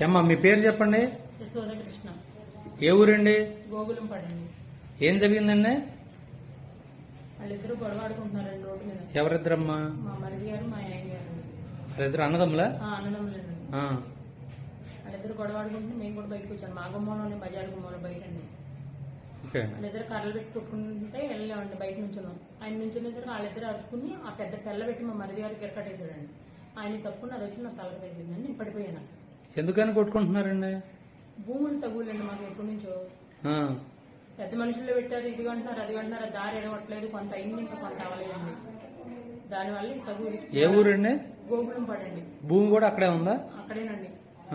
ఏమ్మా మీ పేరు చెప్పండి. యశోదకృష్ణ. ఏ ఊరండి? గోగులం పడండి. ఏం జరిగిందండి? వాళ్ళిద్దరు గొడవ ఆడుకుంటున్నారండి రోడ్డు మీద. ఎవరిద్దరమ్మా? మా మరిది గారు మా ఆయన గారు. వాళ్ళిద్దరు అన్నదమ్ములా? అన్నదమ్ములండి. వాళ్ళిద్దరు గొడవ ఆడుకుంటే మేము కూడా బయటకు వచ్చాను. మా గుమ్మంలోనే బజార్ గుమ్మంలో బయట అండి. వాళ్ళిద్దరు కర్రలు పెట్టి కొట్టుకుంటే వెళ్ళామండి. బయట నుంచున్నాం. ఆయన నుంచున్న వాళ్ళిద్దరు అరుచుకుని ఆ పెద్ద తెల్ల పెట్టి మా మరిది గారికి ఎరకట్టేశాడండి. ఆయన తప్పుకుని అది వచ్చి నా తలకు తగ్గిందండి. నేను పడిపోయాను. ఎందుకని కొట్టుకుంటున్నారండి? భూములు తగులండి మాకు ఎప్పటి నుంచో. పెద్ద మనుషుల్లో పెట్టారు, ఇది అంటున్నారు అది అంటున్నారు. దారి ఎడగట్లేదు, కొంత అయింది ఇంకా కొంత అవ్వలేదండి. దానివల్ల తగు. ఏ ఊరండి? గోగులం పడండి. భూమి కూడా అక్కడే ఉందా? అక్కడేనండి.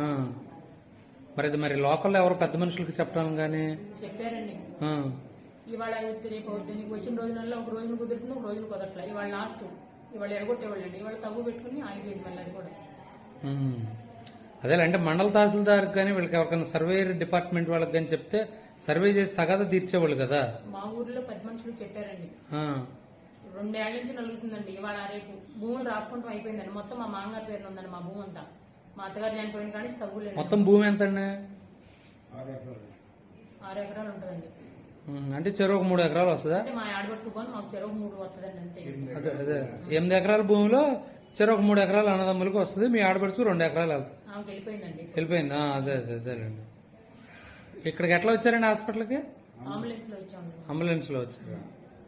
మరి లోకల్లో ఎవరు పెద్ద మనుషులకి చెప్పడం గానీ చెప్పారండి. ఇవాళ రేపు నీకు వచ్చిన రోజులలో ఒక రోజున కుదురుతుంది, ఒక రోజున కుదరట్లే. ఇవాళ లాస్ట్. ఇవాళ ఎడగొట్టేవాళ్ళండి. ఇవాళ తగ్గు పెట్టుకుని ఆగిపోయింది మళ్ళీ అది కూడా. అదేలంటే మండల తహసీల్దార్ కానీ వీళ్ళకి ఎవరికైనా సర్వేయర్ డిపార్ట్మెంట్ వాళ్ళకి కానీ చెప్తే సర్వే చేసి తగాదా తీర్చేవాళ్ళు కదా. మా ఊర్లో 10 మనుషులు చెప్పారండి. 2 ఏళ్ల నుంచి నలుగుతుందండి. ఇవాళ రేపు భూములు రాసుకుంటాం అయిపోయిందండి. మొత్తం మా మామగారి పేరు ఉందండి మా భూమి అంతా. మా అత్తగారు చనిపోయిన కానీ తగ్గులేదు. మొత్తం భూమి ఎంత అండి? 6 ఎకరాలు ఉంటుందండి. అంటే చెరువు 3 ఎకరాలు వస్తుందా? మా ఆడబడి సుఖాన్ని మాకు చెరువు 3 వస్తుందండి అంతే. అదే 8 ఎకరాల భూమిలో చెరువు 3 ఎకరాలు అన్నదమ్ములకు వస్తుంది. మీ ఆడబడుచు 2 ఎకరాలు వెళ్తుంది. వెళ్ళిపోయిందండి. వెళ్ళిపోయింది. అదేలేండి. ఇక్కడికి ఎట్లా వచ్చారండి హాస్పిటల్కి? అంబులెన్స్ లో వచ్చాము. అంబులెన్స్ లో వచ్చారు.